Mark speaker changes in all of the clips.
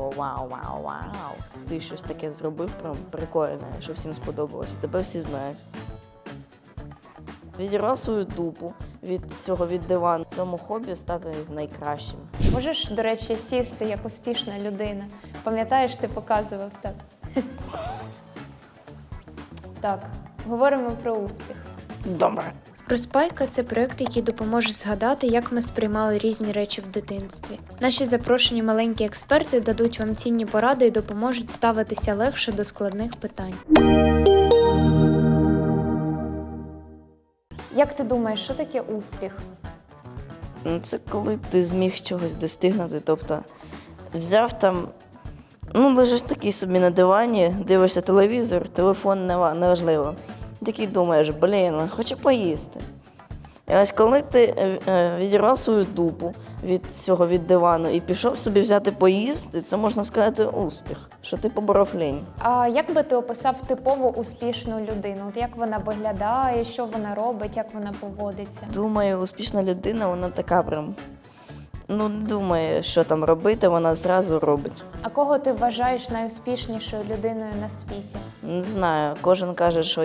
Speaker 1: такого вау. Ти щось таке зробив, прям прикольне, що всім сподобалося. Тебе всі знають. Відірвав свою дупу від цього від дивану. В цьому хобі стати найкращим.
Speaker 2: Можеш, до речі, сісти як успішна людина. Пам'ятаєш, ти показував так. Так, говоримо про успіх.
Speaker 1: Добре.
Speaker 3: Розпайка – це проєкт, який допоможе згадати, як ми сприймали різні речі в дитинстві. Наші запрошені маленькі експерти дадуть вам цінні поради і допоможуть ставитися легше до складних питань.
Speaker 2: Як ти думаєш, що таке успіх?
Speaker 1: Це коли ти зміг чогось достигнути, тобто взяв там, лежиш такий собі на дивані, дивишся телевізор, телефон неважливо. Такий думаєш, хочу поїсти. І ось коли ти відірвав свою дупу від дивану і пішов собі взяти поїсти, це можна сказати успіх, що ти поборов лінь.
Speaker 2: А як би ти описав типово успішну людину? От як вона виглядає, що вона робить, як вона поводиться?
Speaker 1: Думаю, успішна людина, вона така прям, не думає, що там робити, вона зразу робить.
Speaker 2: А кого ти вважаєш найуспішнішою людиною на світі?
Speaker 1: Не знаю, кожен каже, що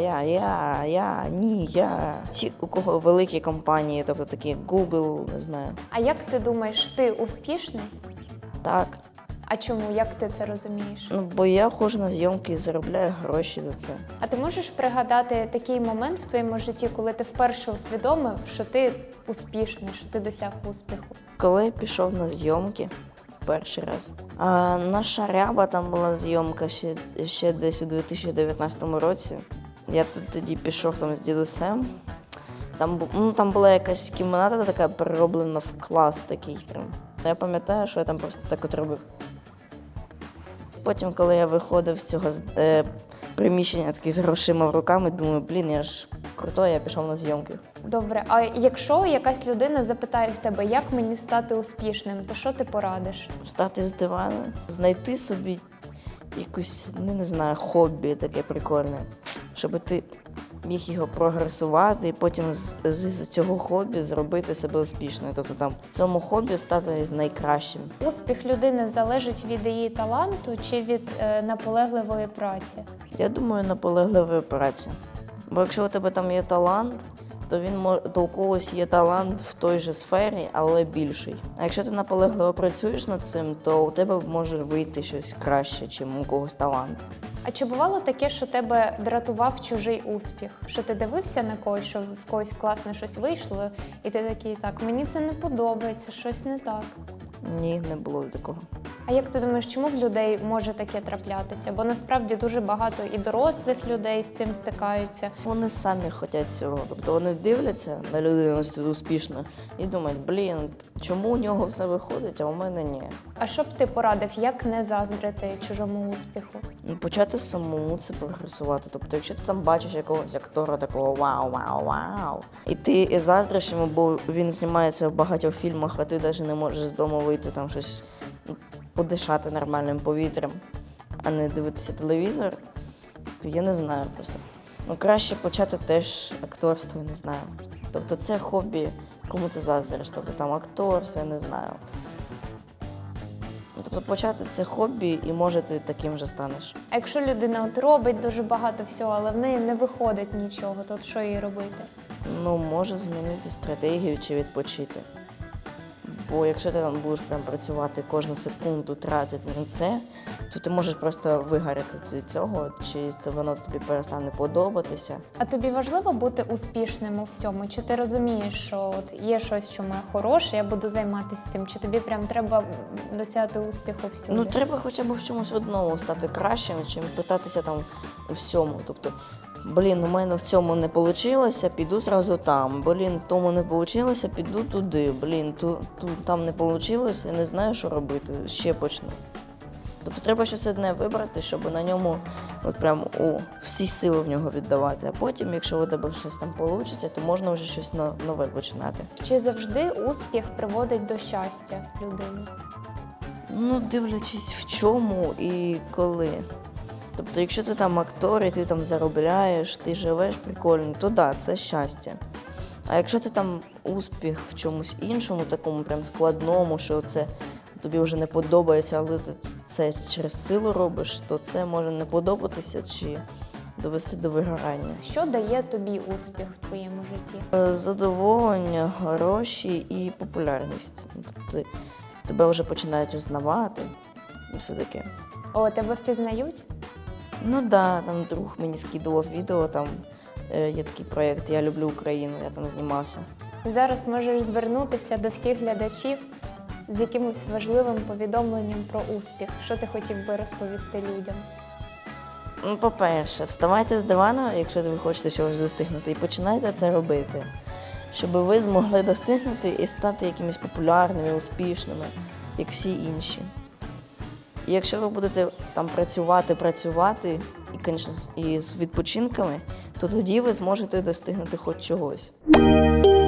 Speaker 1: я. Ті, у кого великі компанії, тобто такі як Google, не знаю.
Speaker 2: А як ти думаєш, ти успішний?
Speaker 1: Так.
Speaker 2: А чому? Як ти це розумієш?
Speaker 1: Бо я ходжу на зйомки і заробляю гроші за це.
Speaker 2: А ти можеш пригадати такий момент в твоєму житті, коли ти вперше усвідомив, що ти успішний, що ти досяг успіху?
Speaker 1: Коли я пішов на зйомки перший раз, наша ряба, там була зйомка ще десь у 2019 році. Я тоді пішов там з дідусем. Там була якась кімната така перероблена в клас такий прям. Я пам'ятаю, що я там просто так от робив. Потім, коли я виходив з цього приміщення такий з грошима в руками, думаю, я ж крутой, я пішов на зйомки.
Speaker 2: Добре, а якщо якась людина запитає в тебе, як мені стати успішним, то що ти порадиш?
Speaker 1: Встати з дивану, знайти собі якусь, не знаю, хобі таке прикольне, щоб ти міг його прогресувати і потім з цього хобі зробити себе успішною. Тобто там в цьому хобі стати найкращим.
Speaker 2: Успіх людини залежить від її таланту чи від наполегливої праці?
Speaker 1: Я думаю, наполегливої праці. Бо якщо у тебе там є талант, то у когось є талант в той же сфері, але більший. А якщо ти наполегливо працюєш над цим, то у тебе може вийти щось краще, ніж у когось талант.
Speaker 2: А чи бувало таке, що тебе дратував чужий успіх? Що ти дивився на когось, що в когось класне щось вийшло, і ти такий, так, мені це не подобається, щось не так?
Speaker 1: Ні, не було такого.
Speaker 2: А як ти думаєш, чому в людей може таке траплятися? Бо насправді дуже багато і дорослих людей з цим стикаються.
Speaker 1: Вони самі хочуть цього. Тобто вони дивляться на людину успішно і думають, чому у нього все виходить, а у мене ні.
Speaker 2: А що б ти порадив, як не заздрити чужому успіху?
Speaker 1: Почати самому це прогресувати. Тобто, якщо ти там бачиш якогось актора такого вау, і ти заздриш йому, бо він знімається в багатьох фільмах, а ти навіть не можеш з дому вийти там щось подишати нормальним повітрям, а не дивитися телевізор, то я не знаю просто. Краще почати теж акторство, я не знаю. Тобто це хобі, кому ти заздриш, тобто там акторство, я не знаю. Тобто почати це хобі і може ти таким же станеш.
Speaker 2: А якщо людина от робить дуже багато всього, але в неї не виходить нічого, то от що їй робити?
Speaker 1: Може змінити стратегію чи відпочити. Бо якщо ти там будеш прям працювати кожну секунду, тратити на це, то ти можеш просто вигоріти від цього, чи це воно тобі перестане подобатися.
Speaker 2: А тобі важливо бути успішним у всьому? Чи ти розумієш, що от є щось, що моє хороше, я буду займатися цим? Чи тобі прям треба досягти успіху всюди?
Speaker 1: Треба хоча б в чомусь одному стати кращим, чим питатися там у всьому. Тобто, у мене в цьому не вийшло, піду зразу там. В тому не вийшло, піду туди. Там не вийшло, я не знаю, що робити, ще почну. Тобто треба щось одне вибрати, щоб на ньому всі сили в нього віддавати. А потім, якщо у тебе щось там вийде, то можна вже щось нове починати.
Speaker 2: Чи завжди успіх приводить до щастя людини?
Speaker 1: Дивлячись в чому і коли. Тобто, якщо ти там актор і ти там заробляєш, ти живеш прикольно, то да, це щастя. А якщо ти там успіх в чомусь іншому, такому прям складному, що це тобі вже не подобається, але ти це через силу робиш, то це може не подобатися чи довести до вигорання.
Speaker 2: Що дає тобі успіх в твоєму житті?
Speaker 1: Задоволення, гроші і популярність. Тобто тебе вже починають узнавати і все таке.
Speaker 2: О, тебе впізнають?
Speaker 1: Ну так, да, там друг мені скидував відео, там є такий проєкт «Я люблю Україну», я там знімався.
Speaker 2: Зараз можеш звернутися до всіх глядачів з якимось важливим повідомленням про успіх. Що ти хотів би розповісти людям?
Speaker 1: Ну, по-перше, вставайте з дивана, якщо ви хочете чогось достигнути, і починайте це робити, щоб ви змогли достигнути і стати якимись популярними, успішними, як всі інші. І якщо ви будете там працювати, і, звісно, і з відпочинками, то тоді ви зможете достигнути хоч чогось.